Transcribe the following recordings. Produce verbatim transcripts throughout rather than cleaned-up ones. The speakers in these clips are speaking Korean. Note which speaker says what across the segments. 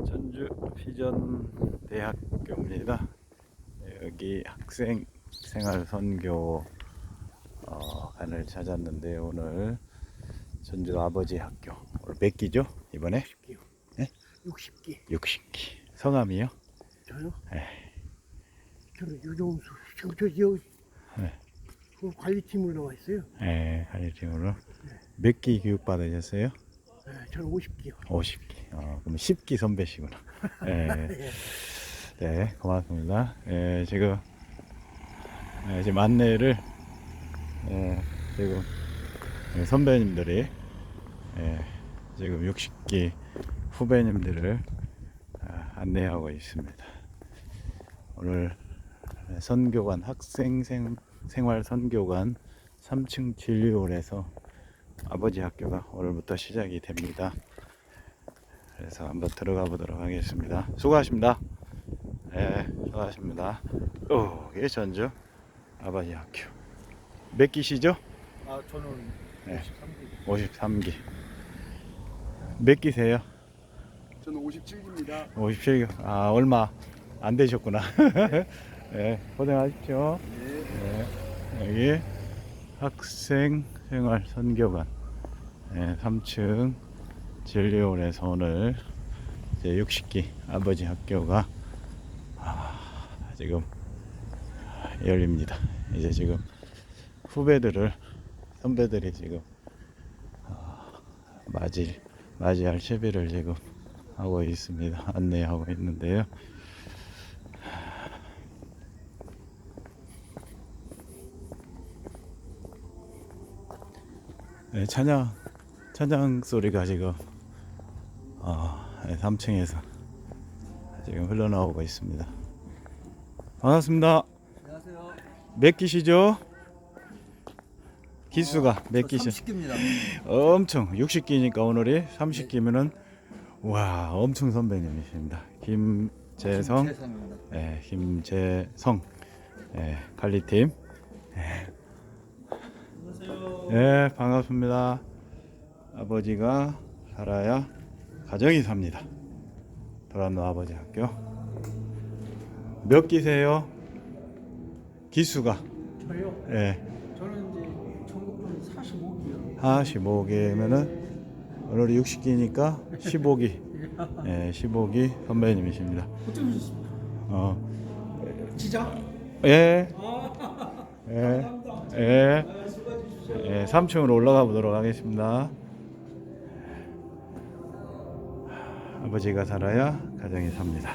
Speaker 1: 전주 비전 대학교입니다. 여기 학생 생활 선교 어, 관을 찾았는데 오늘 전주 아버지 학교 오늘 몇 기죠 이번에?
Speaker 2: 육십 기요.
Speaker 1: 네?
Speaker 2: 육십 기.
Speaker 1: 육십 기. 성함이요?
Speaker 2: 저요?
Speaker 1: 네.
Speaker 2: 저는 유종수. 저, 저, 저,
Speaker 1: 네.
Speaker 2: 그 관리팀으로 나와 있어요.
Speaker 1: 네, 관리팀으로 몇 기 교육 받으셨어요?
Speaker 2: 네, 저는 오십 기요.
Speaker 1: 오십 기. 어, 그럼 십 기 선배시구나. 네. 네, 고맙습니다. 네, 지금 네, 지금 안내를 네, 지금 선배님들이 네, 지금 육십 기 후배님들을 아, 안내하고 있습니다. 오늘 선교관 학생 생, 생활 선교관 삼 층 진료홀에서 아버지 학교가 오늘부터 시작이 됩니다. 그래서 한번 들어가 보도록 하겠습니다. 수고하십니다. 네, 수고하십니다. 오, 이게 전주 아버지 학교. 몇 기시죠?
Speaker 2: 아, 저는
Speaker 1: 네.
Speaker 2: 오십삼 기.
Speaker 1: 오십삼 기. 몇 기세요?
Speaker 2: 저는 오십칠 기입니다.
Speaker 1: 오십칠 기. 아, 얼마 안 되셨구나. 네, 고생하십시오.
Speaker 2: 네.
Speaker 1: 네, 여기 학생 생활 선교관 네, 삼 층 진료원에서 오늘 이제 육십 기 아버지 학교가 아, 지금 열립니다. 이제 지금 후배들을 선배들이 지금 어, 맞이 맞이할 채비를 지금 하고 있습니다. 안내하고 있는데요. 네, 찬양 찬양 소리가 지금 어, 삼 층에서 지금 흘러나오고 있습니다. 반갑습니다.
Speaker 3: 안녕하세요.
Speaker 1: 몇 기시죠? 기수가 몇 기시?
Speaker 3: 삼십 기입니다.
Speaker 1: 엄청 육십 기니까 오늘이 삼십 기면은 와 엄청 선배님이십니다. 김재성,
Speaker 3: 김재성입니다.
Speaker 1: 예, 김재성 예, 관리팀. 예.
Speaker 3: 안녕하세요.
Speaker 1: 예, 반갑습니다. 아버지가 살아야 가정이 삽니다. 도란노 아버지 학교. 몇 기세요? 기수가?
Speaker 2: 저요?
Speaker 1: 예,
Speaker 2: 저는 이제 전국은 사십오 기요.
Speaker 1: 사십오 기면은 오늘이 육십 기니까 십오 기. 예, 십오 기 선배님이십니다.
Speaker 2: 어쩜 오셨습니까?
Speaker 1: 어,
Speaker 2: 지자?
Speaker 1: 예,
Speaker 2: 아,
Speaker 1: 예,
Speaker 2: 감사합니다.
Speaker 1: 예,
Speaker 2: 아, 수고해 주십시오.
Speaker 1: 예, 삼 층으로 올라가 보도록 하겠습니다. 아버지가 살아야 가정이 삽니다.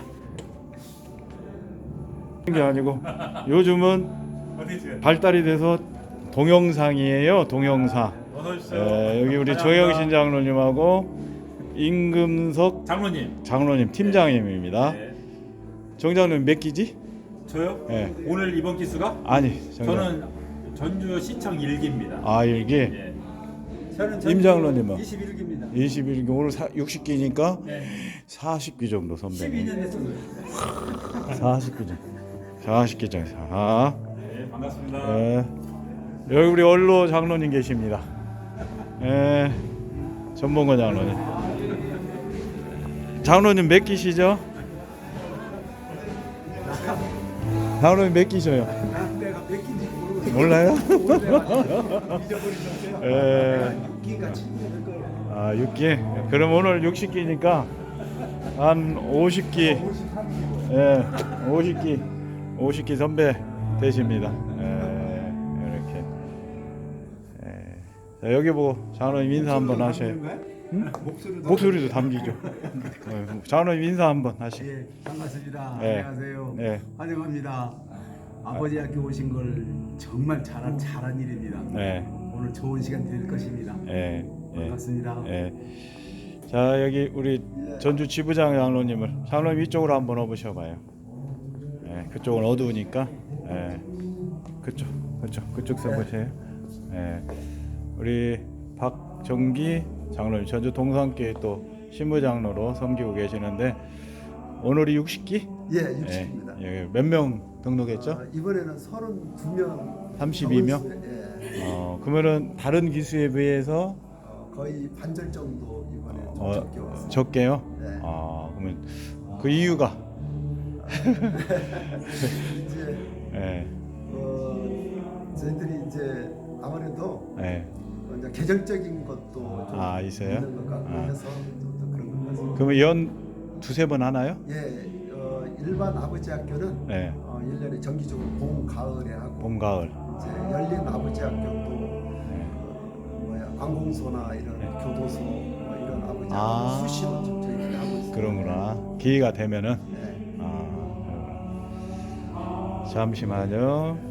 Speaker 1: 게 아니고 요즘은 발달이 돼서 동영상이에요. 동영상. 예, 여기 우리 조영신 장로님하고 임금석
Speaker 3: 장로님.
Speaker 1: 장로님 팀장님입니다.
Speaker 3: 네.
Speaker 1: 정장님 몇 기지?
Speaker 3: 저요?
Speaker 1: 예.
Speaker 3: 오늘 이번 기수가?
Speaker 1: 아니, 정장.
Speaker 3: 저는 전주 시청 일 기입니다.
Speaker 1: 아, 일기.
Speaker 3: 예.
Speaker 2: 저는
Speaker 1: 임 장로님은
Speaker 2: 이십일 기입니다.
Speaker 1: 이십일 기 오늘 육십 기니까
Speaker 3: 네.
Speaker 1: 사십 기 정도 선배님.
Speaker 2: 십이 년 됐어요.
Speaker 1: 사십 기 정도. 사십 기 정도. 아.
Speaker 3: 네, 반갑습니다.
Speaker 1: 예. 여기 우리 원로 장로님 계십니다. 예. 전봉건 장로님. 장로님 몇 기시죠? 장로님 몇 기셔요?
Speaker 2: 내가 몇 기인지 모르고
Speaker 1: 몰라요?
Speaker 2: 잊어버리셨어요.
Speaker 1: 예.
Speaker 2: 육 기가 칠 기.
Speaker 1: 아, 육 기. 그럼 오늘 육십 기니까 한 오십 기. 예. 오십 기. 오십 기 선배 되십니다. 예. 이렇게. 예. 자, 여기 보고 장로님 인사 한번 하셔요. 응?
Speaker 2: 목소리도
Speaker 1: 목소리도 담기죠. 어, 장로님 인사 한번 하시죠.
Speaker 4: 예, 반갑습니다.
Speaker 1: 네.
Speaker 4: 안녕하세요.
Speaker 1: 네.
Speaker 4: 환영합니다. 아버지 학교 오신 걸 정말 잘한 잘한 일입니다.
Speaker 1: 네.
Speaker 4: 오늘 좋은 시간 될 것입니다.
Speaker 1: 예. 예.
Speaker 4: 반갑습니다.
Speaker 1: 예. 자, 여기 우리 전주 지부장 장로님을 장로님 이쪽으로 한번 와보셔봐요. 예. 그쪽은 어두우니까. 예. 그쪽, 그쪽, 그쪽 서보세요. 예. 우리 박정기 장로님 전주 동산교회 또 신부장로로 섬기고 계시는데 오늘이 육십 기?
Speaker 4: 예, 육십입니다.
Speaker 1: 예. 몇 명 등록했죠?
Speaker 4: 어, 이번에는 서른두 명.
Speaker 1: 삼십이 명?
Speaker 4: 예,
Speaker 1: 어, 그러면은 다른 기수에 비해서
Speaker 4: 어, 거의 반절 정도 이번에 좀
Speaker 1: 어,
Speaker 4: 적게 왔습니다.
Speaker 1: 적게요?
Speaker 4: 네.
Speaker 1: 아, 그럼 그러면 그 이유가
Speaker 2: 이제
Speaker 1: 예.
Speaker 2: 어, 저희들이 이제 아무래도
Speaker 1: 예.
Speaker 2: 어, 이제 계정적인 것도 좀
Speaker 1: 아, 있어요?
Speaker 2: 있는 것 같고
Speaker 1: 아.
Speaker 2: 해서 좀 더 그런 것 같습니다.
Speaker 1: 그러면 연 두세 번 하나요?
Speaker 2: 예, 어, 일반 아버지 학교는
Speaker 1: 예.
Speaker 2: 어, 일 년에 정기적으로 봄, 가을에 하고
Speaker 1: 봄, 가을.
Speaker 2: 이제 열린 아버지 학교도
Speaker 1: 예.
Speaker 2: 어, 뭐야 관공소나 이런
Speaker 1: 네.
Speaker 2: 교도소 뭐 이런 아버지 학교
Speaker 1: 아.
Speaker 2: 수시로 좀 저희들이 하고 있습니다.
Speaker 1: 그런구나. 기회가 되면은
Speaker 2: 네.
Speaker 1: 아, 그러구나. 잠시만요.